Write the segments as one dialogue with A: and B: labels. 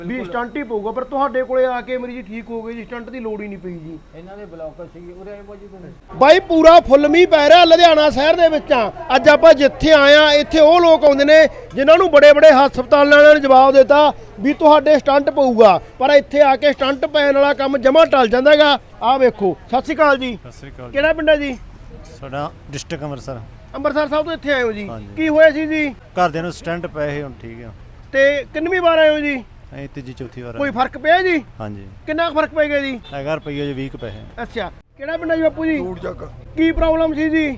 A: ਵੀ stunt ਹੀ ਪਊਗਾ, ਪਰ ਤੁਹਾਡੇ ਕੋਲੇ ਆ ਕੇ ਮਰੀਜ਼ ਠੀਕ ਹੋ ਗਏ ਜੀ, ਸਟੰਟ ਦੀ ਲੋੜ ਹੀ ਨਹੀਂ ਪਈ ਜੀ।
B: ਇਹਨਾਂ ਦੇ ਬਲੌਕਰ ਸੀ ਉਰੇ ਆਏ ਭਾਜੀ ਤੁਸੀਂ।
A: ਬਾਈ ਪੂਰਾ ਫੁੱਲ ਮੀਂਹ ਪੈ ਰਿਹਾ ਲੁਧਿਆਣਾ ਸ਼ਹਿਰ ਦੇ ਵਿੱਚ ਆ। ਅੱਜ ਆਪਾਂ ਜਿੱਥੇ ਆਏ ਆ ਇੱਥੇ ਉਹ ਲੋਕ ਆਉਂਦੇ ਨੇ ਜਿਨ੍ਹਾਂ ਨੂੰ ਬੜੇ ਬੜੇ ਹਸਪਤਾਲਾਂ ਵਾਲਿਆਂ ਨੇ ਜਵਾਬ ਦਿੱਤਾ ਵੀ ਤੁਹਾਡੇ ਸਟੰਟ ਪਊਗਾ, ਪਰ ਇੱਥੇ ਆ ਕੇ ਸਟੰਟ ਪੈਣ ਵਾਲਾ ਕੰਮ ਜਮਾ ਟਲ ਜਾਂਦਾ ਹੈਗਾ। ਆਹ ਵੇਖੋ। ਸਤਿ ਸ਼੍ਰੀ ਅਕਾਲ ਜੀ।
C: ਸਤਿ ਸ੍ਰੀ ਅਕਾਲ।
A: ਕਿਹੜਾ ਪਿੰਡ ਹੈ ਜੀ?
C: ਸਾਡਾ ਡਿਸਟ੍ਰਿਕਟ ਅੰਮ੍ਰਿਤਸਰ।
A: ਅੰਮ੍ਰਿਤਸਰ ਸਾਹਿਬ ਤੋਂ ਇੱਥੇ ਆਏ ਹੋ ਜੀ?
C: ਹਾਂਜੀ।
A: ਕੀ ਹੋਇਆ ਸੀ ਜੀ?
C: ਘਰਦਿਆਂ ਨੂੰ ਸਟੈਂਟ ਪਏ ਸੀ, ਹੁਣ ਠੀਕ ਆ।
A: ਤੇ ਕਿੰਨਵੀਂ ਵਾਰ ਆਏ ਹੋ ਜੀ?
C: ਅਸੀਂ ਤੀਜੀ ਚੌਥੀ ਵਾਰ
A: ਕੋਈ ਫਰਕ ਪਿਆ ਜੀ?
C: ਹਾਂਜੀ।
A: ਕਿੰਨਾ ਕੁ ਫਰਕ ਪੈ ਗਿਆ ਜੀ?
C: ਹੈਗਾ ਰੁਪਈਆ ਜੀ 20 ਪੈਸੇ।
A: ਅੱਛਾ, ਕਿਹੜਾ ਪਿੰਡ ਹੈ ਜੀ ਬਾਪੂ ਜੀ?
D: ਟੂਟ ਚੱਕ
A: ਕੀ ਪ੍ਰੋਬਲਮ ਸੀ ਜੀ?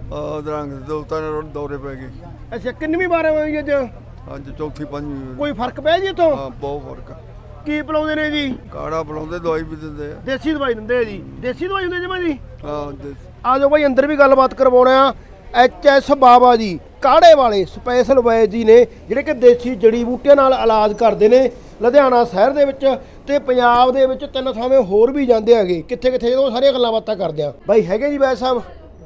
D: ਦਰੰਗ ਦੋ ਤਿੰਨ ਦੌਰੇ ਪੈ ਗਏ।
A: ਅੱਛਾ, ਕਿੰਨਵੀਂ ਵਾਰ ਆਏ ਹੋ ਜੀ ਅੱਜ?
D: ਅੱਜ ਚੌਥੀ ਪੰਜਵੀਂ।
A: ਕੋਈ ਫਰਕ ਪਿਆ ਜੀ ਇੱਥੋਂ?
D: ਹਾਂ, ਬਹੁਤ ਫਰਕ ਆ।
A: ਕੀ ਪਿਲਾਉਂਦੇ ਨੇ ਜੀ?
D: ਕਾੜਾ ਪਿਲਾਉਂਦੇ, ਦਵਾਈ ਵੀ ਦਿੰਦੇ ਆ।
A: ਦੇਸੀ ਦਵਾਈ ਦਿੰਦੇ ਆ ਜੀ? ਦੇਸੀ ਦਵਾਈ ਹੁੰਦੀ ਜਮਾ ਜੀ?
D: ਹਾਂ
A: ਆ ਜਾਓ ਭਾਈ, ਅੰਦਰ ਵੀ ਗੱਲਬਾਤ ਕਰਵਾਉਣਾ ਆ। HS ਬਾਬਾ ਜੀ ਕਾੜੇ ਵਾਲੇ ਸਪੈਸ਼ਲ ਵੈਦ ਜੀ ਨੇ, ਜਿਹੜੇ ਕਿ ਦੇਸੀ ਜੜੀ ਬੂਟੀਆਂ ਨਾਲ ਇਲਾਜ ਕਰਦੇ ਨੇ ਲੁਧਿਆਣਾ ਸ਼ਹਿਰ ਦੇ ਵਿੱਚ ਤੇ ਪੰਜਾਬ ਦੇ ਵਿੱਚ 3 ਥਾਵੇਂ ਹੋਰ ਵੀ ਜਾਂਦੇ ਹੈਗੇ। ਕਿੱਥੇ ਕਿੱਥੇ ਉਹ ਸਾਰੀਆਂ ਗੱਲਾਂ ਬਾਤਾਂ ਕਰਦੇ ਆ। ਬਾਈ ਹੈਗੇ ਜੀ ਵੈਦ ਸਾਹਿਬ?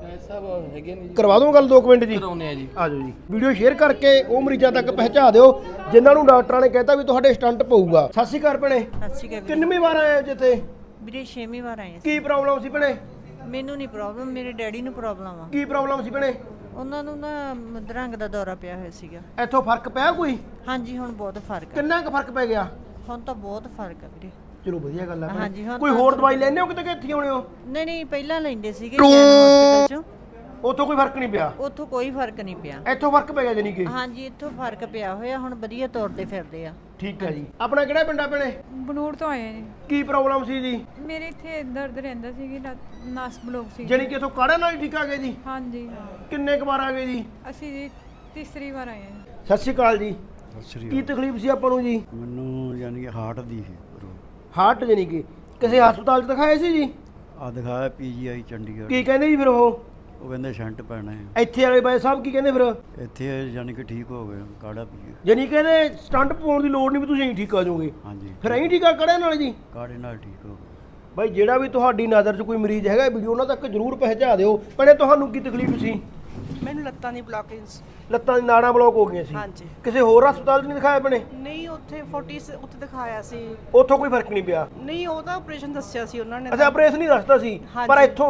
B: ਸਾਹਿਬ ਹੈਗੇ ਨੇ ਜੀ।
A: ਕਰਵਾ ਦੂੰ ਗੱਲ 2 ਮਿੰਟ ਜੀ?
B: ਕਰਾਉਣੇ ਆ ਜੀ।
A: ਆ ਜਾਓ ਜੀ। ਵੀਡੀਓ ਸ਼ੇਅਰ ਕਰਕੇ ਉਹ ਮਰੀਜ਼ਾਂ ਤੱਕ ਪਹੁੰਚਾ ਦਿਓ ਜਿਨ੍ਹਾਂ ਨੂੰ ਡਾਕਟਰਾਂ ਨੇ ਕਹਿਤਾ ਵੀ ਤੁਹਾਡੇ ਸਟੰਟ ਪਊਗਾ। ਸਤਿ ਸ਼੍ਰੀ ਅਕਾਲ ਭੈਣੇ।
E: ਸਤਿ ਸ਼੍ਰੀ ਅਕਾਲ
A: ਕਿੰਨਵੀਂ ਵਾਰ ਆਏ ਹੋ ਜਿੱਥੇ?
E: ਵੀਰੇ 6ਵੀਂ ਵਾਰ ਆਏ
A: ਕੀ ਪ੍ਰੋਬਲਮ ਸੀ ਭੈਣੇ?
E: ਮੈਨੂੰ ਨਹੀਂ ਪ੍ਰੋਬਲਮ, ਮੇਰੇ ਡੈਡੀ ਨੂੰ ਪ੍ਰੋਬਲਮ ਆ।
A: ਕੀ ਪ੍ਰੋਬਲਮ ਸੀ ਭੈਣੇ?
E: ਉਹਨਾਂ ਨੂੰ ਨਾ ਦਰੰਗ ਦਾ ਦੌਰਾ ਪਿਆ ਹੋਇਆ ਸੀਗਾ।
A: ਇੱਥੋਂ ਫਰਕ ਪਿਆ ਕੋਈ?
E: ਹਾਂਜੀ, ਹੁਣ ਬਹੁਤ ਫਰਕ ਆ।
A: ਕਿੰਨਾ ਕੁ ਫਰਕ ਪੈ ਗਿਆ?
E: ਹੁਣ ਤਾਂ ਬਹੁਤ ਫਰਕ ਆ ਵੀਰੇ।
A: ਚਲੋ ਵਧੀਆ ਗੱਲ ਆ ਭੈਣੇ।
E: ਹਾਂਜੀ, ਹੁਣ
A: ਕੋਈ ਹੋਰ ਦਵਾਈ ਲੈਣੇ ਹੋ ਕਿਤੇ ਕਿ ਇੱਥੇ ਆਉਣੇ ਹੋ?
E: ਨਹੀਂ ਨਹੀਂ, ਪਹਿਲਾਂ ਲੈਂਦੇ ਸੀਗੇ ਹਸਪੀਟਲ ਚੋਂ,
A: ਉੱਥੋਂ ਕੋਈ ਫਰਕ ਨਹੀਂ ਪਿਆ?
E: ਉੱਥੋਂ ਕੋਈ ਫਰਕ ਨਹੀਂ ਪਿਆ।
A: ਇੱਥੋਂ ਫਰਕ ਪੈ ਗਿਆ ਜਾਨੀ ਕਿ?
E: ਹਾਂਜੀ, ਇੱਥੋਂ ਫਰਕ ਪਿਆ ਹੋਇਆ, ਹੁਣ ਵਧੀਆ ਤੁਰਦੇ ਫਿਰਦੇ ਆ।
A: ਠੀਕ ਹੈ ਜੀ। ਆਪਣਾ ਕਿਹੜਾ ਪਿੰਡ ਆ ਭੈਣੇ?
F: ਬਨੂੜ ਤੋਂ ਆਏ ਆ ਜੀ।
A: ਕੀ ਪ੍ਰੋਬਲਮ ਸੀ ਜੀ?
F: ਮੇਰੇ ਇੱਥੇ ਦਰਦ ਰਹਿੰਦਾ ਸੀ ਕਿ ਨਸ ਬਲੋਕ ਸੀ।
A: ਜਾਨੀ ਕਿ ਇੱਥੋਂ ਕਾੜੇ ਨਾਲ ਹੀ ਠੀਕ ਆ ਗਏ ਜੀ?
F: ਹਾਂਜੀ,
A: ਕਿੰਨੇ ਕੁ ਵਾਰ ਆ ਗਏ ਜੀ?
F: ਅਸੀਂ ਜੀ ਤੀਸਰੀ ਵਾਰ ਆਏ ਆ।
A: ਸਤਿ ਸ਼੍ਰੀ ਅਕਾਲ ਜੀ। ਕੀ ਤਕਲੀਫ ਸੀ ਆਪਾਂ ਨੂੰ ਜੀ?
G: ਮੈਨੂੰ ਯਾਨੀ ਕਿ ਹਾਰਟ ਦੀ ਸੀ।
A: ਹਾਰਟ ਜਾਨੀ ਕਿ ਕਿਸੇ ਹਸਪਤਾਲ 'ਚ ਦਿਖਾਏ ਸੀ ਜੀ?
G: ਆ ਦਿਖਾਇਆ PGI ਚੰਡੀਗੜ੍ਹ।
A: ਕੀ ਕਹਿੰਦੇ ਜੀ ਫਿਰ ਉਹ
G: ਕਹਿੰਦੇ ਸ਼ੰਟ ਪੈਣਾ ਹੈ।
A: ਇੱਥੇ ਵਾਲੇ ਬਾਈ ਸਾਹਿਬ ਕੀ ਕਹਿੰਦੇ ਫਿਰ?
G: ਇੱਥੇ ਯਾਨੀ ਕਿ ਠੀਕ ਹੋ ਗਏ, ਕਾੜਾ ਪੀਏ।
A: ਜਾਨੀ ਕਹਿੰਦੇ ਸਟੰਟ ਪਾਉਣ ਦੀ ਲੋੜ ਨਹੀਂ, ਵੀ ਤੁਸੀਂ ਠੀਕ ਆ ਜਾਓਗੇ।
G: ਹਾਂਜੀ,
A: ਫਿਰ ਐਂ ਠੀਕ ਆ ਕਾੜੇ ਨਾਲ ਜੀ?
G: ਕਾੜੇ ਨਾਲ ਠੀਕ ਹੋ ਗਏ।
A: ਬਾਈ ਜਿਹੜਾ ਵੀ ਤੁਹਾਡੀ ਨਜ਼ਰ 'ਚ ਕੋਈ ਮਰੀਜ਼ ਹੈਗਾ, ਵੀਡੀਓ ਉਹਨਾਂ ਤੱਕ ਜ਼ਰੂਰ ਪਹੁੰਚਾ ਦਿਓ। ਭੈਣੇ ਤੁਹਾਨੂੰ ਕੀ ਤਕਲੀਫ ਸੀ?
H: ਮੈਨੂੰ ਲੱਤਾਂ ਦੀ ਬਲੌਕੇਜ।
A: ਲੱਤਾਂ ਦੀ ਨਾੜਾਂ ਬਲੌਕ ਹੋ ਗਈਆਂ ਸੀ?
H: ਹਾਂਜੀ।
A: ਕਿਸੇ ਹੋਰ ਹਸਪਤਾਲ 'ਚ ਨਹੀਂ ਦਿਖਾਇਆ ਭੈਣੇ?
H: ਨਹੀਂ, ਉੱਥੇ 40 ਉੱਥੇ ਦਿਖਾਇਆ ਸੀ।
A: ਉੱਥੋਂ ਕੋਈ ਫਰਕ ਨਹੀਂ ਪਿਆ?
H: ਨਹੀਂ, ਉਹਦਾ ਆਪਰੇਸ਼ਨ ਦੱਸਿਆ ਸੀ ਉਹਨਾਂ ਨੇ।
A: ਅੱਛਾ, ਆਪਰੇਸ਼ਨ ਹੀ ਦੱਸਦਾ ਸੀ।
H: ਹਾਂਜੀ।
A: ਪਰ ਇੱਥੋਂ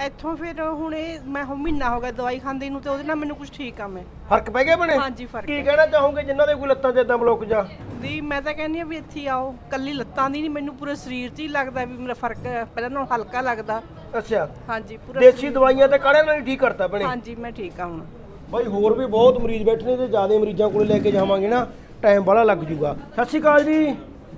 H: ਫਿਰ ਹੁਣ ਇਹ ਮੈਂ ਮਹੀਨਾ ਹੋ ਗਿਆ ਦਵਾਈ ਖਾਂਦੀ ਨੂੰ, ਤੇ ਉਹਦੇ ਨਾਲ ਮੈਨੂੰ ਕੁਝ ਠੀਕ ਆ। ਮੈਂ
A: ਫਰਕ ਪੈ ਗਿਆ ਭੈਣੇ?
H: ਹਾਂਜੀ, ਫਰਕ
A: ਕੀ
H: ਹੈ।
A: ਕਹਿਣਾ ਚਾਹੋਗੇ ਜਿਨ੍ਹਾਂ ਦੇ ਕੋਈ ਲੱਤਾਂ 'ਚ ਇਦਾਂ ਬਲੌਕ ਜਾ?
H: ਦੀ ਮੈਂ ਤਾਂ ਕਹਿੰਦੀ ਆ ਵੀ ਇੱਥੇ ਆਓ। ਕੱਲੀ ਲੱਤਾਂ ਦੀ ਨਹੀਂ, ਮੈਨੂੰ ਪੂਰੇ ਸਰੀਰ 'ਚ ਹੀ ਲੱਗਦਾ ਵੀ ਮੇਰਾ ਫਰਕ ਪਹਿਲਾਂ ਨਾਲੋਂ ਹਲਕਾ ਲੱਗਦਾ।
A: ਅੱਛਾ,
H: ਹਾਂਜੀ, ਪੂਰਾ
A: ਦੇਸੀ ਦਵਾਈਆਂ ਤੇ ਕਾੜਿਆਂ ਨਾਲ ਹੀ ਠੀਕ ਕਰਤਾ ਭੈਣੇ?
H: ਹਾਂਜੀ, ਮੈਂ ਠੀਕ ਆ ਹੁਣ।
A: ਬਾਈ ਹੋਰ ਵੀ ਬਹੁਤ ਮਰੀਜ਼ ਬੈਠੇ ਨੇ, ਤੇ ਜ਼ਿਆਦਾ ਮਰੀਜ਼ਾਂ ਕੋਲੇ ਲੈ ਕੇ ਜਾਵਾਂਗੇ ਨਾ ਟਾਈਮ ਬੜਾ ਲੱਗ ਜੂਗਾ। ਸਤਿ ਸ਼੍ਰੀ ਅਕਾਲ ਜੀ।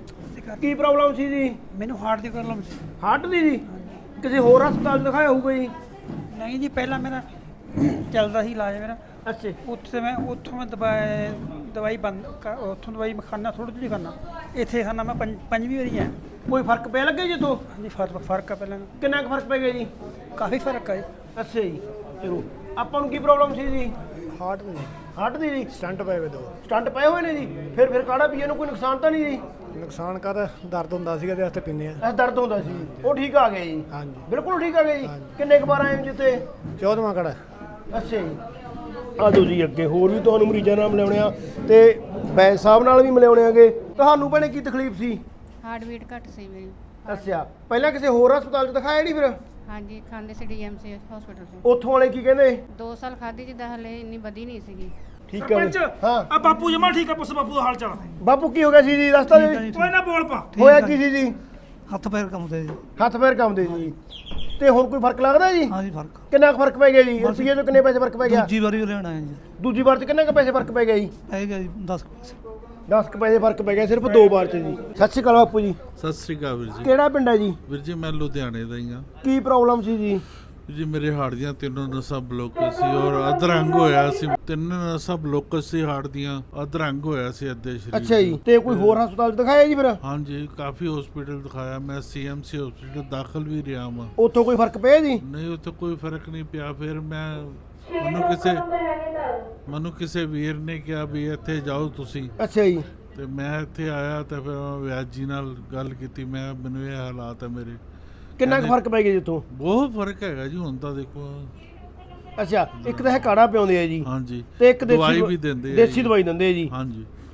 A: ਕੀ ਪ੍ਰੋਬਲਮ ਸੀ ਜੀ?
I: ਮੈਨੂੰ ਹਾਰਟ ਦੀ ਪ੍ਰੋਬਲਮ ਸੀ।
A: ਹਾਰਟ ਦੀ ਜੀ? ਕਿਸੇ ਹੋਰ ਹਸਪਤਾਲ 'ਚ ਦਿਖਾਇਆ ਹੋਊਗਾ ਜੀ?
I: ਨਹੀਂ ਜੀ, ਪਹਿਲਾਂ ਮੇਰਾ ਚੱਲਦਾ ਸੀ ਇਲਾਜ ਮੇਰਾ।
A: ਅੱਛਾ,
I: ਉੱਥੋਂ ਮੈਂ ਦਵਾਈ ਬੰਦ ਉੱਥੋਂ ਦਵਾਈ ਮੈਂ ਖਾਣਾ, ਥੋੜ੍ਹੀ ਜਿਹੀ ਖਾਣਾ। ਇੱਥੇ ਖਾਣਾ ਮੈਂ ਪੰਜਵੀਂ ਵਾਰੀ ਆ।
A: ਕੋਈ ਫਰਕ ਪਿਆ ਲੱਗੇ ਜੀ ਤੋਂ?
I: ਹਾਂਜੀ, ਫਰਕ ਆ ਪਹਿਲਾਂ ਨਾਲੋਂ।
A: ਕਿੰਨਾ ਕੁ ਫਰਕ ਪੈ ਗਿਆ ਜੀ?
I: ਕਾਫੀ ਫਰਕ ਆ ਜੀ।
A: ਅੱਛਾ ਜੀ। ਚਲੋ, ਆਪਾਂ ਨੂੰ ਕੀ ਪ੍ਰੋਬਲਮ ਸੀ ਜੀ?
G: ਹਾਰਟ ਦੀ
A: ਹਾਰਟ ਦੀ ਜੀ?
G: ਸਟੰਟ ਪਏ ਵੇ 2।
A: ਸਟੰਟ ਪਏ ਹੋਏ ਨੇ ਜੀ? ਫਿਰ ਕਾੜਾ ਪੀਏ ਨੂੰ ਕੋਈ ਨੁਕਸਾਨ ਤਾਂ ਨਹੀਂ ਜੀ?
G: ਨੁਕਸਾਨ ਕਰ ਦਰਦ ਹੁੰਦਾ ਸੀਗਾ ਤੇ ਵਾਸਤੇ ਪੀਂਦੇ ਆ।
A: ਐਸ ਦਰਦ ਹੁੰਦਾ ਸੀ, ਉਹ ਠੀਕ ਆ ਗਿਆ ਜੀ?
G: ਹਾਂਜੀ,
A: ਬਿਲਕੁਲ ਠੀਕ ਆ ਗਿਆ ਜੀ। ਕਿੰਨੇ ਕੁ ਵਾਰ ਆਏ ਹੋ ਜਿੱਥੇ?
G: 14ਵਾਂ ਕਾੜਾ।
A: ਅੱਛਾ ਜੀ। ਆ ਜਾਓ ਜੀ ਅੱਗੇ, ਹੋਰ ਵੀ ਤੁਹਾਨੂੰ ਮਰੀਜ਼ਾਂ ਨਾਲ ਮਿਲਾਉਣੇ ਆ ਤੇ ਵੈਦ ਸਾਹਿਬ ਨਾਲ ਵੀ ਮਿਲਾਉਣੇ ਆਗੇ। ਤੁਹਾਨੂੰ ਭੈਣੇ ਕੀ ਤਕਲੀਫ ਸੀ?
F: ਹਾਰਟ ਬੀਟ ਘੱਟ ਸੀ ਮੇਰੀ।
A: ਅੱਛਾ, ਪਹਿਲਾਂ ਕਿਸੇ ਹੋਰ ਹਸਪਤਾਲ 'ਚ ਦਿਖਾਇਆ ਨਹੀਂ ਫਿਰ?
F: ਹਾਂਜੀ, ਖਾਂਦੇ ਸੀ DMC ਹਸਪੀਟਲ ਤੋਂ।
A: ਉੱਥੋਂ ਵਾਲੇ ਕੀ ਕਹਿੰਦੇ?
F: 2 ਸਾਲ ਖਾਧੀ, ਜਿੱਦਾਂ ਹਲੇ ਇੰਨੀ ਵਧੀ ਨਹੀਂ ਸੀਗੀ।
A: ਠੀਕ ਹੈ ਜੀ। ਹਾਂ,
I: ਆ ਬਾਪੂ ਜਮਾ ਠੀਕ ਆ, ਪੁੱਛ ਬਾਪੂ ਦਾ ਹਾਲ ਚਾਲ।
A: ਬਾਪੂ ਕੀ ਹੋ ਗਿਆ ਸੀ ਜੀ? ਰਸਤਾ ਜੀ
I: ਕੋਈ ਨਾ ਬੋਲ ਪਾ।
A: ਹੋਇਆ ਕੀ ਸੀ ਜੀ?
I: ਹੱਥ ਪੈਰ ਕੰਮਦੇ ਜੀ।
A: ਹੱਥ ਪੈਰ ਕੰਬਦੇ ਜੀ? ਤੇ ਹੁਣ ਕੋਈ ਫਰਕ ਲੱਗਦਾ ਜੀ?
I: ਹਾਂਜੀ, ਫਰਕ।
A: ਕਿੰਨਾ ਕੁ ਫਰਕ ਪੈ ਗਿਆ ਜੀ? ਰੁਪਈਏ ਤੋਂ ਕਿੰਨੇ ਪੈਸੇ ਫਰਕ ਪੈ ਗਿਆ?
I: ਦੂਜੀ ਵਾਰੀ ਲੈਣ ਆਏ ਜੀ।
A: ਦੂਜੀ ਵਾਰ 'ਚ ਕਿੰਨੇ ਕੁ ਪੈਸੇ ਫਰਕ ਪੈ ਗਿਆ ਜੀ?
I: ਪੈ ਗਿਆ ਜੀ 10 ਪੈਸੇ।
A: 10 ਕੁ ਪੈਸੇ ਫਰਕ ਪੈ ਗਿਆ ਸਿਰਫ 2 ਵਾਰ 'ਚ ਜੀ। ਸਤਿ ਸ਼੍ਰੀ ਅਕਾਲ ਬਾਪੂ ਜੀ।
J: ਸਤਿ ਸ੍ਰੀ ਅਕਾਲ ਵੀਰ ਜੀ।
A: ਕਿਹੜਾ ਪਿੰਡ ਹੈ ਜੀ?
J: ਵੀਰ ਜੀ ਮੈਂ ਲੁਧਿਆਣੇ ਦਾ ਹੀ ਹਾਂ।
A: ਕੀ ਪ੍ਰੋਬਲਮ ਸੀ ਜੀ?
J: ਜੀ ਮੇਰੇ ਹਾਰਟ ਦੀਆਂ 3 ਨਸਾਂ ਬਲੌਕ ਸੀ ਔਰ ਅਧਰੰਗ ਹੋਇਆ ਸੀ। 3 ਨਸਾਂ ਬਲੌਕ ਸੀ ਹਾਰਟ ਦੀਆਂ, ਅਧਰੰਗ ਹੋਇਆ ਸੀ ਅੱਧੇ ਸਰੀਰ।
A: ਅੱਛਾ ਜੀ। ਤੇ ਕੋਈ ਹੋਰ ਹਸਪਤਾਲ 'ਚ ਦਿਖਾਇਆ ਜੀ ਫਿਰ?
J: ਹਾਂਜੀ, ਕਾਫੀ ਹਸਪੀਟਲ ਦਿਖਾਇਆ ਮੈਂ। CMC ਹਸਪੀਟਲ ਦਾਖਲ ਵੀ ਰਿਹਾ ਹਾਂ।
A: ਉੱਥੋਂ ਕੋਈ ਫਰਕ ਪਿਆ ਜੀ?
J: ਨਹੀਂ, ਉੱਥੇ ਕੋਈ ਫਰਕ ਨਹੀਂ ਪਿਆ। ਫਿਰ ਮੈਨੂੰ ਕਿਸੇ ਵੀਰ ਨੇ ਕਿਹਾ ਵੀ ਇੱਥੇ ਜਾਓ ਤੁਸੀਂ।
A: ਅੱਛਾ ਜੀ।
J: ਤੇ ਮੈਂ ਇੱਥੇ ਆਇਆ ਤੇ ਫਿਰ ਵੈਦ ਜੀ ਨਾਲ ਗੱਲ ਕੀਤੀ। ਮੈਨੂੰ ਇਹ ਹਾਲਾਤ ਹੈ ਮੇਰੇ।
A: ਕਿੰਨਾ ਕੁ ਫਰਕ ਪੈ ਗਿਆ ਜੀ ਉੱਥੋਂ?
J: ਬਹੁਤ ਫਰਕ ਹੈਗਾ ਜੀ ਹੁਣ ਤਾਂ ਦੇਖੋ।
A: ਅੱਛਾ, ਇੱਕ ਤਾਂ ਇਹ ਕਾੜਾ ਪਿਆਉਂਦੇ ਆ ਜੀ।
J: ਹਾਂਜੀ,
A: ਤੇ ਇੱਕ
J: ਦਵਾਈ ਵੀ ਦਿੰਦੇ ਆ।
A: ਦੇਸੀ ਦਵਾਈ ਦਿੰਦੇ ਆ ਜੀ।
J: ਹਾਂਜੀ।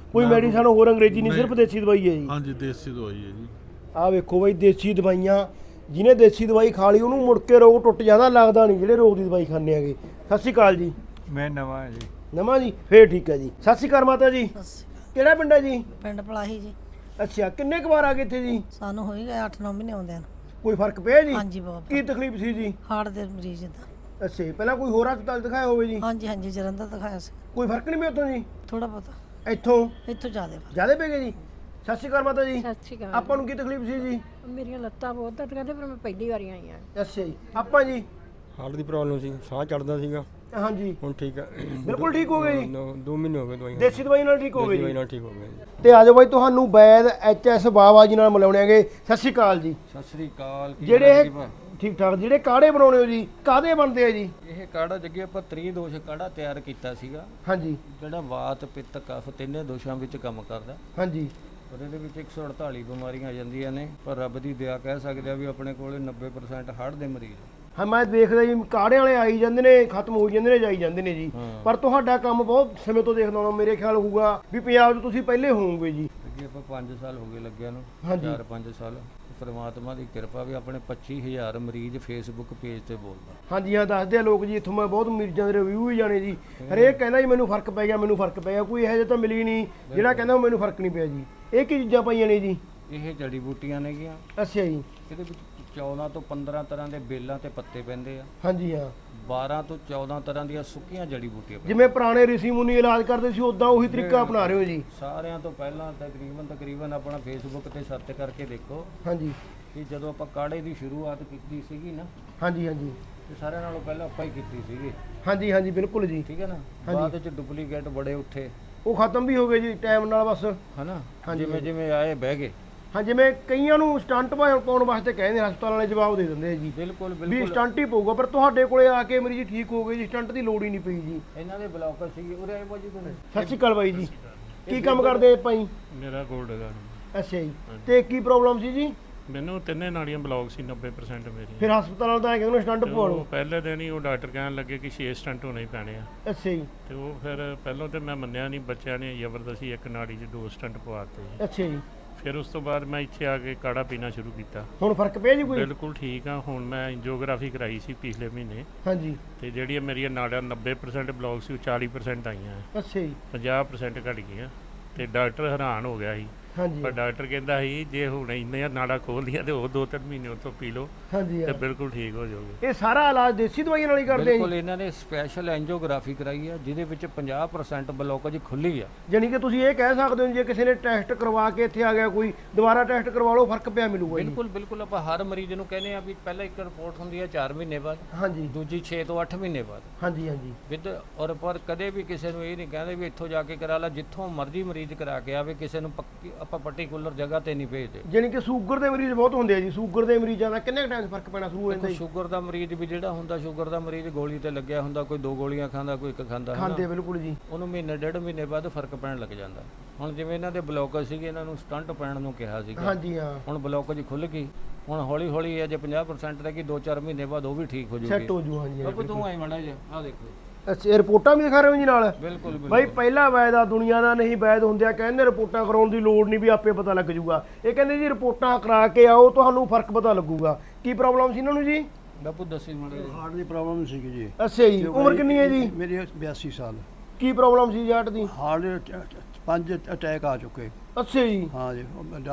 A: ਕੋਈ ਮੈਡੀਸਨ ਹੋਰ ਅੰਗਰੇਜ਼ੀ ਨਹੀਂ, ਸਿਰਫ ਦੇਸੀ ਦਵਾਈ ਹੈ ਜੀ।
J: ਹਾਂਜੀ ਦੇਸੀ ਦਵਾਈ ਹੈ ਜੀ।
A: ਆਹ ਵੇਖੋ ਬਾਈ, ਦੇਸੀ ਦਵਾਈਆਂ, ਜਿਹਨੇ ਦੇਸੀ ਦਵਾਈ ਖਾ ਲਈ ਉਹਨੂੰ ਮੁੜ ਕੇ ਰੋਗ ਟੁੱਟ ਜਾਂਦਾ, ਲੱਗਦਾ ਨਹੀਂ ਜਿਹੜੇ ਰੋਗ ਦੀ ਦਵਾਈ ਖਾਂਦੇ ਆਗੇ। ਸਤਿ ਸ਼੍ਰੀ ਅਕਾਲ ਜੀ।
B: ਮੈਂ ਨਵਾਂ ਹੈ ਜੀ।
A: ਨਵਾਂ ਜੀ, ਫੇਰ ਠੀਕ ਹੈ ਜੀ। ਸਤਿ ਸ਼੍ਰੀ ਅਕਾਲ ਮਾਤਾ ਜੀ। ਕਿਹੜਾ ਪਿੰਡ ਹੈ ਜੀ?
E: ਪਿੰਡ ਪਲਾਹੀ ਜੀ।
A: ਅੱਛਾ, ਕਿੰਨੇ ਕੁ ਵਾਰ ਆ ਗਏ ਇੱਥੇ ਜੀ?
E: ਸਾਨੂੰ ਹੋਈ ਗਏ 8-9 ਮਹੀਨੇ ਆਉਂਦਿਆਂ ਨੂੰ।
A: ਕੋਈ ਫਰਕ ਪਿਆ ਜੀ?
E: ਹਾਂਜੀ ਬਾਬਾ।
A: ਕੀ ਤਕਲੀਫ ਸੀ ਜੀ?
E: ਹਾਰਟ ਦੇ ਮਰੀਜ਼ ਦਾ।
A: ਅੱਛਾ ਜੀ, ਪਹਿਲਾਂ ਕੋਈ ਹੋਰ ਹਸਪਤਾਲ ਦਿਖਾਇਆ ਹੋਵੇ ਜੀ?
E: ਹਾਂਜੀ ਹਾਂਜੀ, ਜਲੰਧਰ ਦਿਖਾਇਆ ਸੀ।
A: ਕੋਈ ਫਰਕ ਨਹੀਂ ਪਿਆ ਉੱਥੋਂ ਜੀ?
E: ਥੋੜਾ ਬਹੁਤਾ।
A: ਇੱਥੋਂ
E: ਜ਼ਿਆਦਾ
A: ਪੈ ਗਏ ਜੀ? ਸਤਿ ਸ਼੍ਰੀ ਅਕਾਲ ਮਾਤਾ ਜੀ।
F: ਸਤਿ ਸ਼੍ਰੀ ਅਕਾਲ।
A: ਆਪਾਂ ਨੂੰ ਕੀ ਤਕਲੀਫ ਸੀ ਜੀ?
F: ਮੇਰੀਆਂ ਲੱਤਾਂ ਬਹੁਤ ਦਰਦ ਕਰਦੇ, ਪਰ ਮੈਂ ਪਹਿਲੀ ਵਾਰੀ ਆਈ ਆ।
A: ਅੱਛਾ ਜੀ, ਆਪਾਂ ਜੀ?
G: ਹਾਰਟ ਦੀ ਪ੍ਰੋਬਲਮ ਸੀ, ਸਾਹ ਚੜਦਾ ਸੀਗਾ,
A: ਹਾਂਜੀ
G: ਹੁਣ ਠੀਕ ਹੈ।
A: ਬਿਲਕੁਲ ਠੀਕ ਹੋ ਗਏ ਜੀ?
G: 2 ਮਹੀਨੇ ਹੋ ਗਏ ਦਵਾਈ
A: ਦੇਸੀ ਦਵਾਈ ਨਾਲ ਠੀਕ ਹੋ ਗਏ ਜੀ?
G: ਨਾਲ ਠੀਕ ਹੋ ਗਏ।
A: ਤੇ ਆਜੋ ਬਾਈ, ਤੁਹਾਨੂੰ ਵੈਦ HS ਬਾਵਾ ਜੀ ਨਾਲ ਮਿਲਾਉਣੇ ਆਗੇ। ਸਤਿ ਸ਼੍ਰੀ ਅਕਾਲ ਜੀ।
B: ਸਤਿ ਸ੍ਰੀ ਅਕਾਲ।
A: ਜਿਹੜੇ ਇਹ ਠੀਕ ਠਾਕ ਜਿਹੜੇ ਕਾੜੇ ਬਣਾਉਣੇ ਹੋ ਜੀ, ਕਾਦੇ ਬਣਦੇ ਆ ਜੀ?
B: ਇਹ ਕਾੜਾ ਜੱਗੇ ਆਪਾਂ ਤ੍ਰਿਦੋਸ਼ ਕਾੜਾ ਤਿਆਰ ਕੀਤਾ ਸੀਗਾ,
A: ਹਾਂਜੀ
B: ਜਿਹੜਾ ਵਾਤ ਪਿੱਤ ਕਫ ਤਿੰਨੇ ਦੋਸ਼ਾਂ ਵਿੱਚ ਕੰਮ ਕਰਦਾ।
A: ਹਾਂਜੀ।
B: ਪਰ ਇਹਦੇ ਵਿੱਚ 148 ਬਿਮਾਰੀਆਂ ਆ ਜਾਂਦੀਆਂ ਨੇ, ਪਰ ਰੱਬ ਦੀ ਦਇਆ ਕਹਿ ਸਕਦੇ ਆ ਵੀ ਆਪਣੇ ਕੋਲੇ 90% ਹਾਰਟ ਦੇ ਮਰੀਜ਼।
A: ਹਾਂ, ਮੈਂ ਦੇਖਦਾ ਜੀ ਕਾੜਿਆਂ ਵਾਲੇ ਆਈ ਜਾਂਦੇ ਨੇ, ਖਤਮ ਹੋ ਜਾਂਦੇ ਨੇ, ਜਾਈ ਜਾਂਦੇ ਨੇ ਜੀ। ਪਰ ਤੁਹਾਡਾ ਕੰਮ ਬਹੁਤ ਸਮੇਂ ਤੋਂ ਦੇਖਦਾ ਹਾਂ, ਮੇਰੇ ਖਿਆਲ ਹੋਊਗਾ ਵੀ ਪੰਜਾਬ 'ਚ ਤੁਸੀਂ ਪਹਿਲੇ ਹੋਵੋਗੇ ਜੀ।
B: ਅੱਗੇ ਆਪਾਂ 5 ਸਾਲ ਹੋ ਗਏ ਲੱਗਿਆ ਨੂੰ,
A: ਹਾਂਜੀ।
B: 4-5 ਸਾਲ। ਪਰਮਾਤਮਾ ਦੀ ਕਿਰਪਾ ਵੀ ਆਪਣੇ 25000 ਮਰੀਜ਼ ਫੇਸਬੁੱਕ ਪੇਜ ਤੇ ਬੋਲਦਾ।
A: ਹਾਂਜੀ ਹਾਂ, ਦੱਸਦੇ ਆ ਲੋਕ ਜੀ, ਇੱਥੋਂ ਮੈਂ ਬਹੁਤ ਮਰੀਜ਼ਾਂ ਦੇ ਰਿਵਿਊ ਵੀ ਜਾਣੇ ਜੀ। ਹਰੇਕ ਕਹਿੰਦਾ ਜੀ ਮੈਨੂੰ ਫਰਕ ਪੈ ਗਿਆ, ਮੈਨੂੰ ਫਰਕ ਪੈ ਗਿਆ। ਕੋਈ ਇਹੋ ਜਿਹਾ ਤਾਂ ਮਿਲੀ ਨਹੀਂ ਜਿਹੜਾ ਕਹਿੰਦਾ ਮੈਨੂੰ ਫਰਕ ਨਹੀਂ ਪਿਆ ਜੀ। ਇਹ ਕੀ ਚੀਜ਼ਾਂ ਪਾਈਆਂ ਨੇ ਜੀ?
B: ਇਹ ਜੜੀ ਬੂਟੀਆਂ ਨੇਗੀਆਂ।
A: ਅੱਛਾ ਜੀ।
B: ਇਹਦੇ ਵਿੱਚ 14 ਤੋਂ 15 ਤਰ੍ਹਾਂ ਦੇ ਬੇਲਾਂ ਤੇ ਪੱਤੇ ਪੈਂਦੇ ਆ।
A: ਹਾਂਜੀ ਹਾਂ।
B: 12 ਤੋਂ 14 ਤਰ੍ਹਾਂ ਦੀਆਂ ਸੁੱਕੀਆਂ ਜੜੀ ਬੂਟੀਆਂ।
A: ਜਿਵੇਂ ਪੁਰਾਣੇ ਰਿਸ਼ੀ ਮੁਨੀ ਇਲਾਜ ਕਰਦੇ ਸੀ, ਉਦਾਂ ਉਹੀ ਤਰੀਕਾ ਅਪਣਾ ਰਹੇ ਹੋ ਜੀ?
B: ਸਾਰਿਆਂ ਤੋਂ ਪਹਿਲਾਂ ਤਕਰੀਬਨ ਆਪਣਾ ਫੇਸਬੁੱਕ ਤੇ ਸਰਚ ਕਰਕੇ ਦੇਖੋ।
A: ਹਾਂਜੀ।
B: ਕਿ ਜਦੋਂ ਆਪਾਂ ਕਾੜੇ ਦੀ ਸ਼ੁਰੂਆਤ ਕੀਤੀ ਸੀਗੀ ਨਾ,
A: ਹਾਂਜੀ ਹਾਂਜੀ,
B: ਤੇ ਸਾਰਿਆਂ ਨਾਲੋਂ ਪਹਿਲਾਂ ਆਪਾਂ ਹੀ ਕੀਤੀ ਸੀਗੀ।
A: ਹਾਂਜੀ ਹਾਂਜੀ, ਬਿਲਕੁਲ ਜੀ।
B: ਠੀਕ ਹੈ ਨਾ। ਬਾਅਦ ਵਿੱਚ ਡੁਪਲੀਕੇਟ ਬੜੇ ਉੱਠੇ,
A: ਉਹ ਖਤਮ ਵੀ ਹੋ ਗਏ ਜੀ ਟਾਈਮ ਨਾਲ ਬਸ,
B: ਹਨਾ।
A: ਹਾਂਜੀ।
B: ਜਿਵੇਂ ਆਏ ਬਹਿ ਗਏ।
A: ਹਾਂ, ਜਿਵੇਂ ਕਈਆਂ ਨੂੰ ਸਟੰਟ ਪਾਉਣ ਵਾਸਤੇ ਕਹਿੰਦੇ, ਹਸਪਤਾਲ ਵਾਲੇ ਜਵਾਬ ਦੇ ਦਿੰਦੇ ਆ ਜੀ
B: ਬਿਲਕੁਲ
A: ਵੀ
B: ਬਿਲਕੁਲ।
A: ਸਟੰਟ ਹੀ ਪਊਗਾ, ਪਰ ਤੁਹਾਡੇ ਕੋਲੇ ਆ ਕੇ ਮਰੀਜ਼ ਠੀਕ ਹੋ ਗਏ ਜੀ, ਸਟੰਟ ਦੀ ਲੋੜ ਹੀ ਨਹੀਂ ਪਈ ਜੀ।
B: ਇਹਨਾਂ ਦੇ ਬਲੌਕਰ ਸੀਗੇ ਉਰੇ ਆਏ ਬਾਜੀ ਕੋਲ।
A: ਸਤਿ ਸ਼੍ਰੀ ਅਕਾਲ ਬਾਈ ਜੀ। ਕੀ ਕੰਮ ਕਰਦੇ ਆਪਾਂ ਜੀ?
K: ਮੇਰਾ ਗੋਲਡ ਦਾ।
A: ਅੱਛਾ ਜੀ। ਤੇ ਕੀ ਪ੍ਰੋਬਲਮ ਸੀ ਜੀ?
K: ਮੈਨੂੰ ਤਿੰਨੇ ਨਾੜੀਆਂ ਬਲੌਕ ਸੀ 90% ਮੇਰੀ।
A: ਫਿਰ ਹਸਪਤਾਲ ਵਾਲਾ ਤਾਂ ਐਂ ਕਹਿੰਦੇ ਸਟੰਟ ਪਵਾ ਲਓ।
K: ਪਹਿਲੇ ਦਿਨ ਹੀ ਉਹ ਡਾਕਟਰ ਕਹਿਣ ਲੱਗੇ ਕਿ 6 ਸਟੰਟ ਹੋਣੇ ਹੀ ਪੈਣੇ ਆ।
A: ਅੱਛਾ ਜੀ।
K: ਤੇ ਉਹ ਫਿਰ ਪਹਿਲਾਂ ਤੇ ਮੈਂ ਮੰਨਿਆ ਨਹੀਂ, ਬੱਚਿਆਂ ਨੇ ਜ਼ਬਰਦਸਤੀ ਇੱਕ ਨਾੜੀ 'ਚ 2 ਸਟੰਟ ਪਵਾਤੇ ਜੀ।
A: ਅੱਛਾ ਜੀ।
K: ਫਿਰ ਉਸ ਤੋਂ ਬਾਅਦ ਮੈਂ ਇੱਥੇ ਆ ਕੇ ਕਾੜਾ ਪੀਣਾ ਸ਼ੁਰੂ ਕੀਤਾ।
A: ਹੁਣ ਫਰਕ ਪਿਆ ਜੀ ਕੋਈ?
K: ਬਿਲਕੁਲ ਠੀਕ ਆ। ਹੁਣ ਮੈਂ ਐਂਜੀਓਗ੍ਰਾਫੀ ਕਰਾਈ ਸੀ ਪਿਛਲੇ ਮਹੀਨੇ।
A: ਹਾਂਜੀ।
K: ਤੇ ਜਿਹੜੀਆਂ ਮੇਰੀਆਂ ਨਾੜਾਂ 90% ਬਲੌਕ ਸੀ, ਉਹ 40% ਆਈਆਂ।
A: ਅੱਛਾ ਜੀ।
K: 50% ਘਟ ਗਈਆਂ। ਤੇ ਡਾਕਟਰ ਹੈਰਾਨ ਹੋ ਗਿਆ ਸੀ।
A: ਹਾਂਜੀ।
K: ਪਰ ਡਾਕਟਰ ਕਹਿੰਦਾ ਸੀ ਜੇ ਹੁਣ ਇੰਨੀਆਂ ਨਾੜਾਂ ਖੋਲ ਲੀਆਂ ਤੇ ਉਹ 2-3 ਮਹੀਨੇ ਉੱਥੋਂ ਪੀ ਲਓ
A: ਹਾਂਜੀ
K: ਤੇ ਬਿਲਕੁਲ ਠੀਕ ਹੋ ਜਾਓਗੇ।
A: ਇਹ ਸਾਰਾ ਇਲਾਜ ਦੇਸੀ ਦਵਾਈਆਂ ਨਾਲ ਹੀ ਕਰਦੇ ਆ
B: ਬਿਲਕੁਲ।
A: ਜੀ?
B: ਇਹਨਾਂ ਨੇ ਸਪੈਸ਼ਲ ਐਂਜੀਓਗ੍ਰਾਫੀ ਕਰਾਈ ਆ, ਜਿਹਦੇ ਵਿੱਚ 50% ਬਲੌਕੇਜ ਖੁੱਲੀ ਆ।
A: ਜਾਨੀ ਕਿ ਤੁਸੀਂ ਇਹ ਕਹਿ ਸਕਦੇ ਹੋ ਜੇ ਕਿਸੇ ਨੇ ਟੈਸਟ ਕਰਵਾ ਕੇ ਇੱਥੇ ਆ ਗਿਆ ਕੋਈ, ਦੁਬਾਰਾ ਟੈਸਟ ਕਰਵਾ ਲਓ, ਫਰਕ ਪਿਆ ਮਿਲੂਗਾ ਜੀ?
B: ਬਿਲਕੁਲ ਬਿਲਕੁਲ। ਆਪਾਂ ਹਰ ਮਰੀਜ਼ ਨੂੰ ਕਹਿੰਦੇ ਆ ਵੀ ਪਹਿਲਾਂ ਇੱਕ ਰਿਪੋਰਟ ਹੁੰਦੀ ਹੈ 4 ਮਹੀਨੇ ਬਾਅਦ,
A: ਹਾਂਜੀ।
B: ਦੂਜੀ 6 ਤੋਂ 8 ਮਹੀਨੇ ਬਾਅਦ।
A: ਹਾਂਜੀ ਹਾਂਜੀ।
B: ਵਿਦ ਔਰ ਪਰ ਕਦੇ ਵੀ ਕਿਸੇ ਨੂੰ ਇਹ ਨਹੀਂ ਕਹਿੰਦੇ ਵੀ ਇੱਥੋਂ ਜਾ ਕੇ ਕਰਾ ਲਾ, ਜਿੱਥੋਂ ਮਰਜ਼ੀ ਮਰੀਜ਼ ਕਰਾ ਕੇ ਆਵੇ। ਕਿਸੇ ਨੂੰ ਪੱਕੀ ਆਪਾਂ ਪਰਟੀਕੂਲਰ ਜਗ੍ਹਾ ਤੇ ਨਹੀਂ ਭੇਜਦੇ।
A: ਜਾਨੀ ਕਿ ਸ਼ੂਗਰ ਦੇ ਮਰੀਜ਼ ਬਹੁਤ ਹੁੰਦੇ ਆ ਜੀ। ਸ਼ੂਗਰ ਦੇ ਮਰੀਜ਼ਾਂ ਦਾ ਕਿੰਨੇ ਟਾਈਮ ਫਰਕ ਪੈਣਾ ਸ਼ੁਰੂ ਹੋ ਜਾਂਦਾ ਜੀ?
B: ਸ਼ੂਗਰ ਦਾ ਮਰੀਜ਼ ਵੀ ਜਿਹੜਾ ਹੁੰਦਾ, ਸ਼ੂਗਰ ਦਾ ਮਰੀਜ਼ ਗੋਲੀ ਤੇ ਲੱਗਿਆ ਹੁੰਦਾ, ਕੋਈ 2 ਗੋਲੀਆਂ ਖਾਂਦਾ, ਕੋਈ 1 ਖਾਂਦਾ।
A: ਖਾਂਦੇ ਬਿਲਕੁਲ ਜੀ।
B: ਉਹਨੂੰ ਮਹੀਨੇ 1.5 ਮਹੀਨੇ ਬਾਅਦ ਫਰਕ ਪੈਣ ਲੱਗ ਜਾਂਦਾ। ਹੁਣ ਜਿਵੇਂ ਇਹਨਾਂ ਦੇ ਬਲੌਕੇਜ ਸੀਗੇ, ਇਹਨਾਂ ਨੂੰ ਸਟੰਟ ਪੈਣ ਨੂੰ ਕਿਹਾ ਸੀਗਾ।
A: ਹਾਂਜੀ ਹਾਂ।
B: ਹੁਣ ਬਲੌਕੇਜ ਖੁੱਲ ਗਈ। ਹੁਣ ਹੌਲੀ ਹੌਲੀ ਹੈ ਜੇ 50% ਰਹਿ ਗਈ, 2-4 ਮਹੀਨੇ ਬਾਅਦ ਉਹ ਵੀ ਠੀਕ ਹੋ ਜੂਗੀ।
A: ਸੈੱਟ ਹੋ ਜੂ। ਹਾਂਜੀ।
B: ਬਾਬੂ ਤੂੰ ਆਈ ਮਾੜਾ ਜਿਹਾ ਆਹ ਦੇਖੋ।
A: ਅੱਛਾ, ਇਹ ਰਿਪੋਰਟਾਂ ਵੀ ਦਿਖਾ ਰਹੇ ਹੋ ਜੀ ਨਾਲ?
B: ਬਿਲਕੁਲ ਬਿਲਕੁਲ।
A: ਬਾਈ ਪਹਿਲਾ ਵੈਦ ਆ ਦੁਨੀਆ ਦਾ, ਨਹੀਂ ਵੈਦ ਹੁੰਦਿਆ ਕਹਿੰਦੇ ਰਿਪੋਰਟਾਂ ਕਰਾਉਣ ਦੀ ਲੋੜ ਨਹੀਂ, ਵੀ ਆਪੇ ਪਤਾ ਲੱਗ ਜੂਗਾ। ਇਹ ਕਹਿੰਦੇ ਜੀ ਰਿਪੋਰਟਾਂ ਕਰਾ ਕੇ ਆਓ, ਤੁਹਾਨੂੰ ਫਰਕ ਪਤਾ ਲੱਗੂਗਾ। ਕੀ ਪ੍ਰੋਬਲਮ ਸੀ ਇਹਨਾਂ ਨੂੰ ਜੀ?
B: ਬਾਪੂ ਦੱਸੀ ਮਾੜਾ ਜਿਹਾ।
G: ਹਾਰਟ ਦੀ ਪ੍ਰੋਬਲਮ ਸੀਗੀ ਜੀ।
A: ਅੱਛਾ ਜੀ। ਉਮਰ ਕਿੰਨੀ ਹੈ ਜੀ?
G: ਮੇਰੀ 82 ਸਾਲ।
A: ਕੀ ਪ੍ਰੋਬਲਮ ਸੀ ਹਾਰਟ ਦੀ?
G: ਹਾਰਟ 5 ਅਟੈਕ ਆ ਚੁੱਕੇ।
A: ਅੱਛਾ ਜੀ।
G: ਹਾਂ ਜੀ।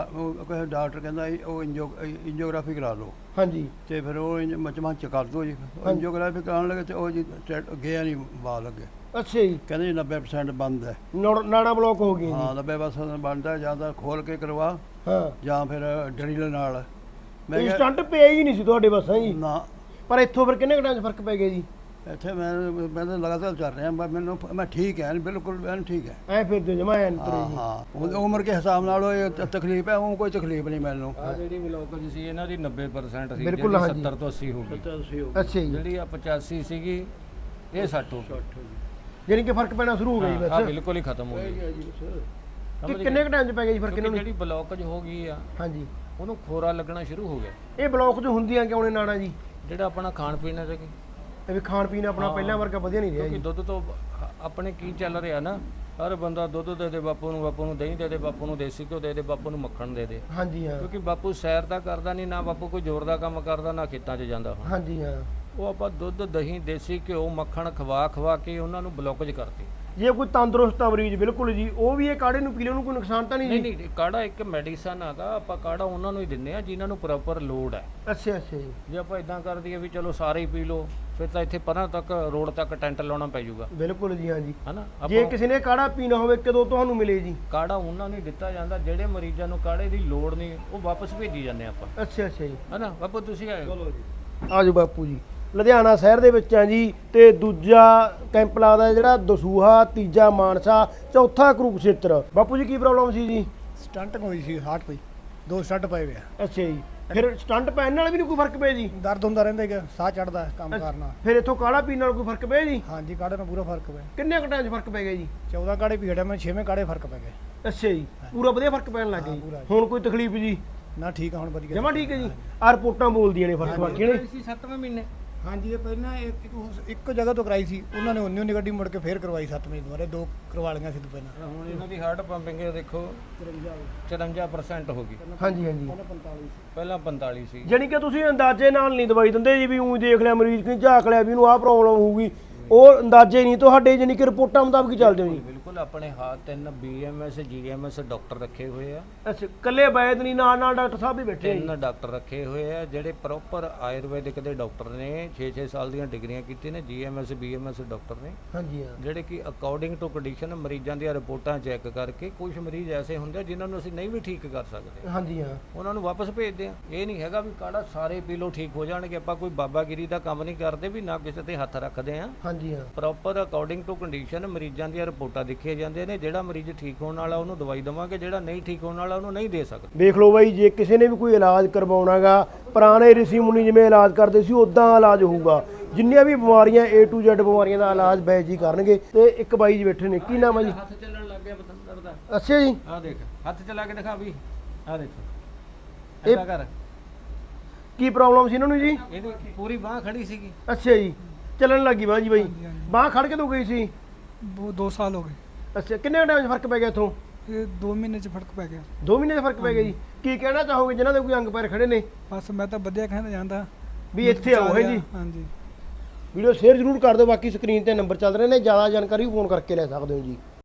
G: ਉਹ ਡਾਕਟਰ ਕਹਿੰਦਾ ਜੀ ਉਹ ਐਂਜੀਓਗ੍ਰਾਫੀ ਕਰਾ ਲਓ।
A: ਹਾਂਜੀ।
G: ਤੇ ਫਿਰ ਉਹ ਮਚ ਕਰ ਦਿਓ ਜੀ। ਐਂਜੀਓਗ੍ਰਾਫੀ ਕਰਾਉਣ ਲੱਗੇ ਤੇ ਉਹ ਜੀ ਗਿਆ ਨਹੀਂ, ਬਾਲ ਲੱਗੇ।
A: ਅੱਛਾ ਜੀ।
G: ਕਹਿੰਦੇ ਜੀ 90% ਬੰਦ ਹੈ।
A: ਨਾੜਾ ਬਲੌਕ ਹੋ ਗਈ ਜੀ?
G: ਹਾਂ, 90% ਬੰਦ ਹੈ। ਜਾਂ ਤਾਂ ਖੋਲ ਕੇ ਕਰਵਾ,
A: ਹਾਂ,
G: ਜਾਂ ਫਿਰ ਡਰਿਲ ਨਾਲ। ਮੈਂ
A: ਇਹ ਸਟੰਟ ਪਿਆ ਹੀ ਨਹੀਂ ਸੀ ਤੁਹਾਡੇ ਬਸ ਹੈ ਜੀ?
G: ਨਾ।
A: ਪਰ ਇੱਥੋਂ ਫਿਰ ਕਿੰਨੇ ਘੰਟਿਆਂ 'ਚ ਫਰਕ ਪੈ ਗਿਆ ਜੀ?
G: ਇੱਥੇ ਮੈਂ ਤਾਂ ਲਗਾਤਾਰ ਚੱਲ ਰਿਹਾ, ਮੈਂ ਠੀਕ ਹੈ, ਬਿਲਕੁਲ ਮੈਂ ਠੀਕ ਹੈ।
A: ਐ ਫਿਰ ਜੋ ਜਮਾ ਐਨ ਤੁਰੇ ਜੀ।
G: ਹਾਂ, ਉਮਰ ਦੇ ਹਿਸਾਬ ਨਾਲ ਉਹ ਤਕਲੀਫ ਹੈ, ਉਹ ਕੋਈ ਤਕਲੀਫ ਨਹੀਂ ਮੈਨੂੰ।
B: ਆ ਜਿਹੜੀ ਬਲੌਕੇਜ ਸੀ ਇਹਨਾਂ ਦੀ 90% ਸੀ,
A: ਬਿਲਕੁਲ,
B: ਜਿਹੜੀ
A: ਹਾਂਜੀ।
B: 70 ਤੋਂ 80 ਹੋ ਗਈ।
A: ਅੱਛਾ ਜੀ।
B: ਜਿਹੜੀ ਆ 85 ਸੀਗੀ, ਇਹ 60 ਹੋ ਗਈ।
A: ਜਾਨੀ ਕਿ ਫਰਕ ਪੈਣਾ ਸ਼ੁਰੂ ਹੋ ਗਿਆ ਜੀ
B: ਹਾਂ,
A: ਬਸ?
B: ਬਿਲਕੁਲ ਹੀ ਖਤਮ ਹੋ ਗਈ।
A: ਕਿ ਕਿੰਨੇ ਟਾਈਮ 'ਚ ਪੈ ਗਿਆ ਜੀ ਫਰਕ ਇਹਨਾਂ ਨੂੰ?
B: ਜਿਹੜੀ ਬਲੌਕੇਜ ਹੋ ਗਈ ਆ,
A: ਹਾਂਜੀ,
B: ਉਹਨੂੰ ਖੋਰਾ ਲੱਗਣਾ ਸ਼ੁਰੂ ਹੋ ਗਿਆ।
A: ਇਹ ਬਲੌਕ ਜੋ ਹੁੰਦੀਆਂ ਕਿਉਂ ਨੇ ਨਾੜਾਂ ਜੀ?
B: ਜਿਹੜਾ ਆਪਣਾ ਖਾਣ ਪੀਣ ਹੈ,
A: ਇਹ ਵੀ ਖਾਣ ਪੀਣ ਆਪਣਾ ਪਹਿਲਾਂ ਵਰਗਾ ਵਧੀਆ ਨਹੀਂ ਰਿਹਾ
B: ਕਿਉਂਕਿ
A: ਜੀ।
B: ਦੁੱਧ ਤੋਂ ਆਪਣੇ ਕੀ ਚੱਲ ਰਿਹਾ ਨਾ, ਹਰ ਬੰਦਾ ਦੁੱਧ ਦੇ ਦੇ ਬਾਪੂ ਨੂੰ ਦਹੀਂ ਦੇ ਦੇ ਬਾਪੂ ਨੂੰ ਦੇਸੀ ਘਿਓ ਦੇ ਦੇ ਬਾਪੂ ਨੂੰ ਮੱਖਣ ਦੇ ਦੇ।
A: ਹਾਂਜੀ ਹਾਂ।
B: ਕਿਉਂਕਿ ਬਾਪੂ ਸੈਰ ਤਾਂ ਕਰਦਾ ਨਹੀਂ, ਨਾ ਬਾਪੂ ਕੋਈ ਜ਼ੋਰ ਦਾ ਕੰਮ ਕਰਦਾ, ਨਾ ਖੇਤਾਂ 'ਚ ਜਾਂਦਾ।
A: ਹਾਂਜੀ ਹਾਂ।
B: ਉਹ ਆਪਾਂ ਦੁੱਧ ਦਹੀਂ ਦੇਸੀ ਘਿਓ ਮੱਖਣ ਖਵਾ ਕੇ ਉਹਨਾਂ ਨੂੰ ਬਲੌਕੇਜ ਕਰਤੀ।
A: ਜੇ ਕੋਈ ਤੰਦਰੁਸਤ ਆ ਮਰੀਜ਼ ਬਿਲਕੁਲ ਜੀ, ਉਹ ਵੀ ਇਹ ਕਾੜੇ ਨੂੰ ਪੀ ਲੈਣ ਨੂੰ ਕੋਈ ਨੁਕਸਾਨ ਤਾਂ ਨਹੀਂ ਜੀ?
B: ਨਹੀਂ, ਕਾੜਾ ਇੱਕ ਮੈਡੀਸਨ ਹੈਗਾ, ਆਪਾਂ ਕਾੜਾ ਉਹਨਾਂ ਨੂੰ ਹੀ ਦਿੰਦੇ ਆ ਜਿਨ੍ਹਾਂ ਨੂੰ ਪ੍ਰੋਪਰ ਲੋੜ ਹੈ।
A: ਅੱਛਾ ਜੀ।
B: ਜੇ ਆਪਾਂ ਇਦਾਂ ਕਰ ਦਈਏ ਵੀ ਚਲੋ ਸਾਰੇ ਹੀ ਪੀ ਲਓ, ਫਿਰ ਤਾਂ ਇੱਥੇ ਪਰਾਂ ਤੱਕ ਰੋਡ ਤੱਕ ਟੈਂਟ ਲਾਉਣਾ ਪੈ ਜਾਊਗਾ।
A: ਬਿਲਕੁਲ ਜੀ, ਹਾਂਜੀ।
B: ਹਨਾ,
A: ਜੇ ਕਿਸੇ ਨੇ ਕਾੜਾ ਪੀਣਾ ਹੋਵੇ ਕਦੋਂ ਤੁਹਾਨੂੰ ਮਿਲੇ ਜੀ?
B: ਕਾੜਾ ਉਹਨਾਂ ਨੂੰ ਦਿੱਤਾ ਜਾਂਦਾ ਜਿਹੜੇ ਮਰੀਜ਼ਾਂ ਨੂੰ ਕਾੜੇ ਦੀ ਲੋੜ ਨਹੀਂ, ਉਹ ਵਾਪਸ ਭੇਜੀ ਜਾਂਦੇ ਆਪਾਂ।
A: ਅੱਛਾ ਜੀ।
B: ਹਨਾ ਬਾਪੂ, ਤੁਸੀਂ ਆਏ ਚਲੋ ਜੀ।
A: ਆਜੋ ਬਾਪੂ ਜੀ। ਲੁਧਿਆਣਾ ਸ਼ਹਿਰ ਦੇ ਵਿੱਚ ਆ ਜੀ, ਤੇ ਦੂਜਾ ਕੈਂਪ ਲੱਗਦਾ ਜਿਹੜਾ ਦਸੂਹਾ, ਤੀਜਾ ਮਾਨਸਾ, ਚੌਥਾ ਕੁਰੂਕਸ਼ੇਤਰ। ਬਾਪੂ ਜੀ ਕੀ ਪ੍ਰੋਬਲਮ ਸੀ ਜੀ?
G: ਸਟੰਟ ਹੋਈ ਸੀ, ਹਾਰਟ ਪਈ, 2 ਸਟੰਟ ਪਏ ਹੋਏ ਆ।
A: ਅੱਛਾ ਜੀ। ਫਿਰ ਸਟੰਟ ਪੈਣ ਨਾਲ ਵੀ ਨਹੀਂ ਕੋਈ ਫਰਕ ਪਿਆ ਜੀ?
G: ਦਰਦ ਹੁੰਦਾ ਰਹਿੰਦਾ ਹੈਗਾ, ਸਾਹ ਚੜਦਾ ਕੰਮ ਕਰਨਾ।
A: ਫਿਰ ਇੱਥੋਂ ਕਾੜਾ ਪੀਣ ਨਾਲ ਕੋਈ ਫਰਕ ਪਿਆ ਜੀ?
G: ਹਾਂਜੀ, ਕਾੜੇ ਨਾਲ ਪੂਰਾ ਫਰਕ ਪਿਆ।
A: ਕਿੰਨੇ ਕੁ ਟਾਈਮ 'ਚ ਫਰਕ ਪੈ ਗਿਆ ਜੀ?
G: 14 ਕਾੜੇ ਪੀ ਹਟਿਆ ਮੈਂ, 6ਵੇਂ ਕਾੜੇ ਫਰਕ ਪੈ ਗਿਆ।
A: ਅੱਛਾ ਜੀ। ਪੂਰਾ ਵਧੀਆ ਫਰਕ ਪੈਣ ਲੱਗ ਗਿਆ ਜੀ। ਹੁਣ ਕੋਈ ਤਕਲੀਫ ਜੀ?
G: ਨਾ, ਠੀਕ ਆ ਹੁਣ, ਵਧੀਆ
A: ਜਮਾ ਠੀਕ ਹੈ ਜੀ। ਆ ਰਿਪੋਰਟਾਂ ਬੋਲਦੀਆਂ ਨੇ ਫਰਕ ਬਾਕੀ ਨੇ।
B: 7ਵੇਂ ਮਹੀਨੇ।
G: ਹਾਂਜੀ, ਇਹ ਪਹਿਲਾਂ ਇੱਕ ਜਗ੍ਹਾ ਤੋਂ ਕਰਾਈ ਸੀ, ਉਹਨਾਂ ਨੇ ਉਨੀ ਗੱਡੀ ਮੁੜ ਕੇ ਫੇਰ ਕਰਵਾਈ 7ਵੇਂ ਦੁਬਾਰੇ, 2 ਕਰਵਾ ਲਈਆਂ ਸੀ ਪਹਿਲਾਂ।
B: ਹੁਣ ਇਹਨਾਂ ਦੀ ਹਾਰਟ ਪੰਪਿੰਗ ਦੇਖੋ 54% ਹੋ ਗਈ।
A: ਹਾਂਜੀ ਹਾਂਜੀ।
B: ਪਹਿਲਾਂ 45 ਸੀ।
A: ਜਾਣੀ ਕਿ ਤੁਸੀਂ ਅੰਦਾਜ਼ੇ ਨਾਲ ਨਹੀਂ ਦਵਾਈ ਦਿੰਦੇ ਜੀ, ਵੀ ਊਂ ਦੇਖ ਲਿਆ ਮਰੀਜ਼ ਕਿ ਝਾਕ ਲਿਆ ਵੀ ਇਹਨੂੰ ਆਹ ਪ੍ਰੋਬਲਮ ਹੋਊਗੀ, ਉਹ ਅੰਦਾਜ਼ੇ ਨਹੀਂ ਤੁਹਾਡੇ, ਜਾਣੀ ਕਿ ਰਿਪੋਰਟਾਂ ਮੁਤਾਬਕ ਹੀ ਚੱਲਦੇ ਹੋ ਜੀ?
B: ਬਿਲਕੁਲ, ਆਪਣੇ ਹਾਥ 3 BMS GMS ਡਾਕਟਰ ਰੱਖੇ ਹੋਏ ਆ।
A: ਅੱਛਾ, ਕੱਲੇ ਵੈਦ ਨਹੀਂ, ਨਾਲ ਡਾਕਟਰ ਸਾਹਿਬ ਵੀ ਬੈਠੇ?
B: 3 ਡਾਕਟਰ ਰੱਖੇ ਹੋਏ ਆ ਜਿਹੜੇ ਪ੍ਰੋਪਰ ਆਯੁਰਵੈਦਿਕ ਦੇ ਡਾਕਟਰ ਨੇ, 6-6 ਸਾਲ ਦੀਆਂ ਡਿਗਰੀਆਂ ਕੀਤੀਆਂ ਨੇ, GMS BMS ਡਾਕਟਰ ਨੇ। ਹਾਂਜੀ ਹਾਂ। ਜਿਹੜੇ ਕਿ ਅਕੋਰਡਿੰਗ ਟੂ ਕੰਡੀਸ਼ਨ ਮਰੀਜ਼ਾਂ ਦੀਆਂ ਰਿਪੋਰਟਾਂ ਚੈੱਕ ਕਰਕੇ, ਕੁਝ ਮਰੀਜ਼ ਐਸੇ ਹੁੰਦੇ ਆ ਜਿਨ੍ਹਾਂ ਨੂੰ ਅਸੀਂ ਨਹੀਂ ਵੀ ਠੀਕ ਕਰ ਸਕਦੇ। ਹਾਂਜੀ ਹਾਂ। ਉਹਨਾਂ ਨੂੰ ਵਾਪਸ ਭੇਜਦੇ ਆ। ਇਹ ਨਹੀਂ ਹੈਗਾ ਵੀ ਕਾੜਾ ਸਾਰੇ ਪੀ ਲਓ ਠੀਕ ਹੋ ਜਾਣਗੇ। ਆਪਾਂ ਕੋਈ ਬਾਬਾਗਿਰੀ ਦਾ ਕੰਮ ਨਹੀਂ ਕਰਦੇ, ਵੀ ਨਾ ਕਿਸੇ ਤੇ ਹੱਥ ਰੱਖਦੇ ਆ। ਹਾਂਜੀ ਹਾਂ। ਪ੍ਰੋਪਰ ਅਕੋਰਡਿੰਗ ਟੂ ਕੰਡੀਸ਼ਨ ਮਰੀਜ਼ਾਂ ਦੀਆਂ ਰਿਪੋਰਟਾਂ ਦੇਖੀਆਂ ਜਾਂਦੀਆਂ ਨੇ। ਜਿਹੜਾ ਮਰੀਜ਼ ਠੀਕ ਹੋਣ ਵਾਲਾ ਉਹਨੂੰ ਦਵਾਈ ਦੇਵਾਂਗੇ, ਜਿਹੜਾ ਨਹੀਂ ਠੀਕ ਹੋਣ ਵਾਲਾ ਉਹਨੂੰ ਨਹੀਂ ਦੇ ਸਕਦੇ।
A: ਵੇਖ ਲਓ ਬਾਈ, ਜੇ ਕਿਸੇ ਨੇ ਵੀ ਕੋਈ ਇਲਾਜ ਕਰਵਾਉਣਾਗਾ, ਪੁਰਾਣੇ ਰਿਸ਼ੀ ਮੁਨੀ ਜਿਵੇਂ ਇਲਾਜ ਕਰਦੇ ਸੀ ਉਦਾਂ ਇਲਾਜ ਹੋਊਗਾ। ਜਿੰਨੀਆਂ ਵੀ ਬਿਮਾਰੀਆਂ A to Z ਬਿਮਾਰੀਆਂ ਦਾ ਇਲਾਜ ਬੈਜ ਜੀ ਕਰਨਗੇ। ਤੇ ਇੱਕ ਬਾਈ ਜੀ ਬੈਠੇ ਨੇ, ਕੀ ਨਾਮ ਹੈ ਜੀ?
B: ਹੱਥ ਚੱਲਣ ਲੱਗ ਗਿਆ ਬਤੰਦਰ ਦਾ।
A: ਅੱਛਾ ਜੀ।
B: ਆਹ ਦੇਖ, ਹੱਥ ਚਲਾ ਕੇ ਦਿਖਾ ਵੀ। ਆਹ ਦੇਖੋ,
A: ਇਹ
B: ਐਦਾਂ ਕਰ।
A: ਕੀ ਪ੍ਰੋਬਲਮ ਸੀ ਇਹਨਾਂ ਨੂੰ ਜੀ?
B: ਇਹਦੀ ਪੂਰੀ ਬਾਹ ਖੜੀ ਸੀਗੀ।
A: ਅੱਛਾ ਜੀ। ਚੱਲਣ ਲੱਗੀ ਬਾਂਹ ਜੀ ਬਾਈ? ਬਾਂਹ ਖੜ ਕੇ ਤੋਂ ਗਈ ਸੀ?
I: 2 ਸਾਲ ਹੋ ਗਏ।
A: ਅੱਛਾ, ਕਿੰਨੇ ਟਾਈਮ 'ਚ ਫਰਕ ਪੈ ਗਿਆ ਇੱਥੋਂ?
I: ਇਹ 2 ਮਹੀਨੇ 'ਚ ਫਰਕ ਪੈ ਗਿਆ।
A: 2 ਮਹੀਨੇ 'ਚ ਫਰਕ ਪੈ ਗਿਆ ਜੀ। ਕੀ ਕਹਿਣਾ ਚਾਹੋਗੇ ਜਿਨ੍ਹਾਂ ਦੇ ਕੋਈ ਅੰਗ ਪੈਰ ਖੜੇ ਨੇ?
I: ਬਸ ਮੈਂ ਤਾਂ ਵਧੀਆ ਕਹਿਣਾ ਚਾਹੁੰਦਾ
A: ਵੀ ਇੱਥੇ ਆਓ। ਹੈ ਜੀ।
I: ਹਾਂਜੀ।
A: ਵੀਡੀਓ ਸ਼ੇਅਰ ਜ਼ਰੂਰ ਕਰ ਦਿਓ। ਬਾਕੀ ਸਕਰੀਨ ਤੇ ਨੰਬਰ ਚੱਲ ਰਹੇ ਨੇ, ਜ਼ਿਆਦਾ ਜਾਣਕਾਰੀ ਫੋਨ ਕਰਕੇ ਲੈ ਸਕਦੇ ਹੋ ਜੀ।